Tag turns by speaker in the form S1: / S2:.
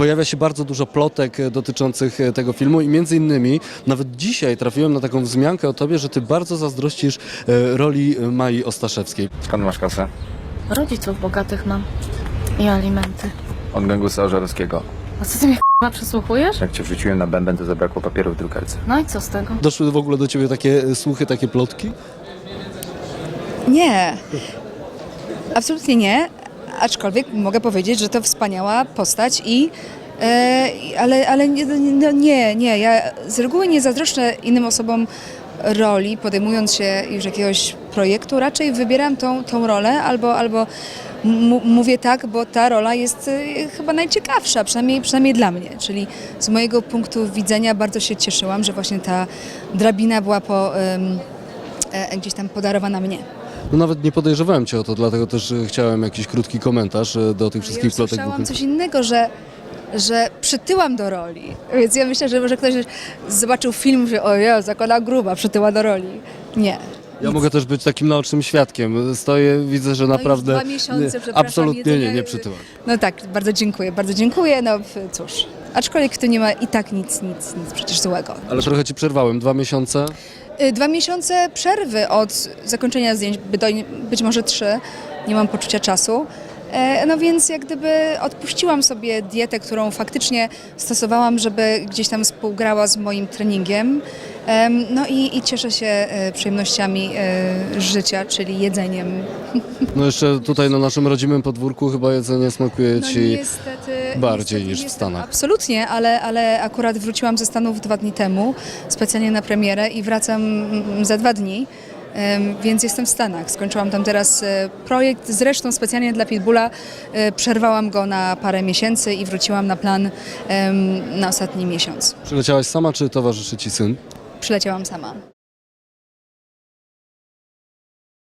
S1: Pojawia się bardzo dużo plotek dotyczących tego filmu i między innymi nawet dzisiaj trafiłem na taką wzmiankę o tobie, że ty bardzo zazdrościsz roli Mai Ostaszewskiej.
S2: Skąd masz kasę?
S3: Rodziców bogatych mam. I alimenty.
S2: Od Gęgusa Ożarowskiego.
S3: A co ty mnie k***a przesłuchujesz?
S2: Jak cię wrzuciłem na bęben, to zabrakło papieru w drukarce.
S3: No i co z tego?
S1: Doszły w ogóle do ciebie takie słuchy, takie plotki?
S4: Nie, absolutnie nie, aczkolwiek mogę powiedzieć, że to wspaniała postać ale nie, ja z reguły nie zazdroszczę innym osobom roli, podejmując się już jakiegoś projektu, raczej wybieram tą rolę albo mówię tak, bo ta rola jest chyba najciekawsza, przynajmniej dla mnie, czyli z mojego punktu widzenia bardzo się cieszyłam, że właśnie ta drabina była gdzieś tam podarowana mnie.
S1: No nawet nie podejrzewałem cię o to, dlatego też chciałem jakiś krótki komentarz do tych wszystkich
S4: Ja
S1: plotek.
S4: usłyszałam coś innego, że przytyłam do roli, więc ja myślę, że może ktoś zobaczył film, że o Jezu, jak ona gruba, przytyła do roli. Nie.
S1: Ja mogę też być takim naocznym świadkiem. Stoję, widzę, że naprawdę
S4: 2 miesiące, przepraszam,
S1: absolutnie
S4: jedzenia-
S1: nie przytyłaś.
S4: No tak, bardzo dziękuję, no cóż. Aczkolwiek to nie ma i tak nic przecież złego.
S1: Ale trochę ci przerwałem. 2 miesiące?
S4: 2 miesiące przerwy od zakończenia zdjęć, być może 3, nie mam poczucia czasu. No więc jak gdyby odpuściłam sobie dietę, którą faktycznie stosowałam, żeby gdzieś tam współgrała z moim treningiem. No i cieszę się przyjemnościami życia, czyli jedzeniem.
S1: No jeszcze tutaj na naszym rodzimym podwórku chyba jedzenie smakuje
S4: No
S1: ci
S4: niestety,
S1: bardziej niż w Stanach.
S4: Absolutnie, ale akurat wróciłam ze Stanów 2 dni temu, specjalnie na premierę i wracam za 2 dni. Więc jestem w Stanach. Skończyłam tam teraz projekt, zresztą specjalnie dla Pitbulla. Przerwałam go na parę miesięcy i wróciłam na plan na ostatni miesiąc.
S1: Przyleciałaś sama, czy towarzyszy ci syn?
S4: Przyleciałam sama.